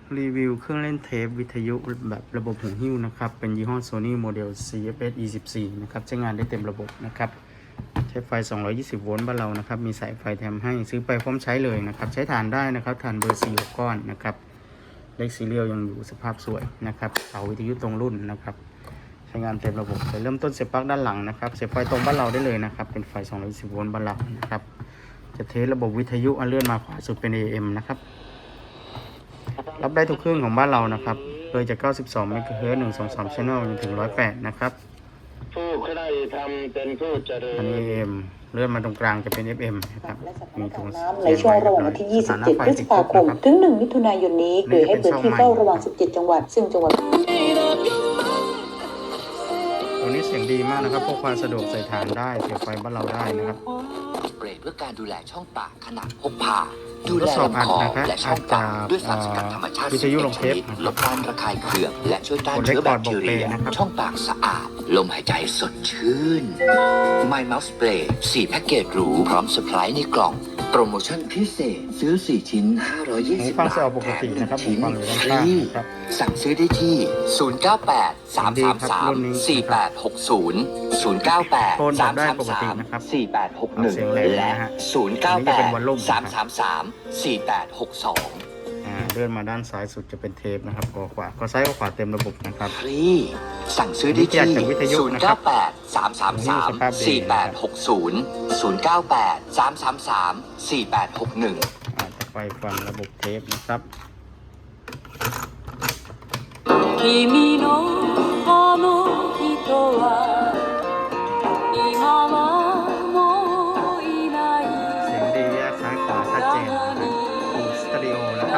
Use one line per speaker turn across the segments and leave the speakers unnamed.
รีวิวเครื่องเล่นเทปวิทยุแบบระบบหูหิ้วนะครับเป็นยี่ห้อ Sony โมเดล CFS E14 นะครับใช้งานได้เต็มระบบนะครับใช้ไฟ220โวลต์บ้านเรานะครับมีสายไฟแถมให้ซื้อไปพร้อมใช้เลยนะครับใช้ถ่านได้นะครับถ่านเบอร์4 6ก้อนนะครับเลขซีเรียลยังอยู่สภาพสวยนะครับเสาวิทยุตรงรุ่นนะครับใช้งานเต็มระบบเริ่มต้นเสียบปลั๊กด้านหลังนะครับเสียบไฟตรงบ้านเราได้เลยนะครับเป็นไฟ220โวลต์บ้านเรานะครับจะเทสระบบวิทยุเลื่อนมาขวาสุดเป็น AM นะครับรับได้ทุกเครื่องของบ้านเรานะครับเลยจาก92 MHz 123 Channel จนถึง108นะครับ
ผู้ใครทำเป็นผู้เจริญ
อันนี้ AM เลื่อนมาตรงกลางจะเป็น FM นะครับมีถุง
น้ำในช่วงระหว่างวันที่ 27 พฤษภาคมถึง 1 มิถุนายนนี้โดยให้พื้นที่เฝ้าระวัง 17 จังหวัดซึ่งจังหวัด
ตัวนี้เสียงดีมากนะครับพกพาสะดวกใส่ฐานได้เสียบไฟบ้านเราได้นะครับ
สเปรย์เพื่อการดูแลช่องปากขนาดพกพาดูแลลำคอและช่องปากด้วยสารสกัดธรรมชาติ10 ชนิดลดการระคายเคืองและช่วยต้านเชื้อแบคทีเรียช่องปากสะอาดลมหายใจสดชื่น My Mouth Spray 4 แพ็กเกจหรูพร้อมเซอร์ไพรส์ในกล่องโปรโมชั่นพิเศษซื้อ4 ชิ้น520 บาท
ปกตินะครับผมฟังอยู่ด้านข้างครับ
สั่งซื้อได้ที่ 098 333 4860 098 333 4861 และ 098 333 4862
เลื่อนมาด้านซ้ายสุดจะเป็นเทปนะครับก็ซ้ายก็ขวาเต็มระบบนะครับ
ฟรีสั่งซื้อได้ที่098 333 4860 098 333 4861
จะไปฟังระบบเทปนะครับ
君のあの人は今はもういない
เสียงดีแยกซ้ายขวาชัดเจนฟูลสตูดิโอนะครับ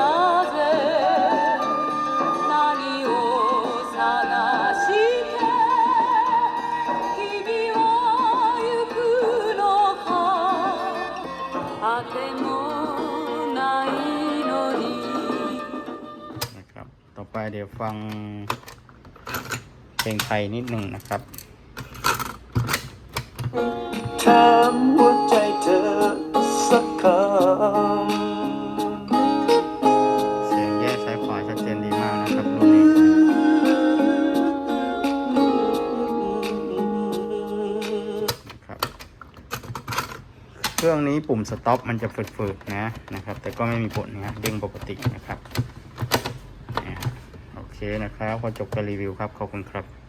ต่อไปเดี๋ยวฟังเพลงไทยนิดหนึ่งนะครับ
ถามหัวใจเธอสักคำ
เสียงแยกซ้ายขวาชัดเจนดีมากนะครับรุ่นนี้นะครับเครื่องนี้ปุ่มสต็อปมันจะฝืดๆนะครับแต่ก็ไม่มีผลนะเด้งปกตินะครับโอเคนะครับพอจบการรีวิวครับขอบคุณครับ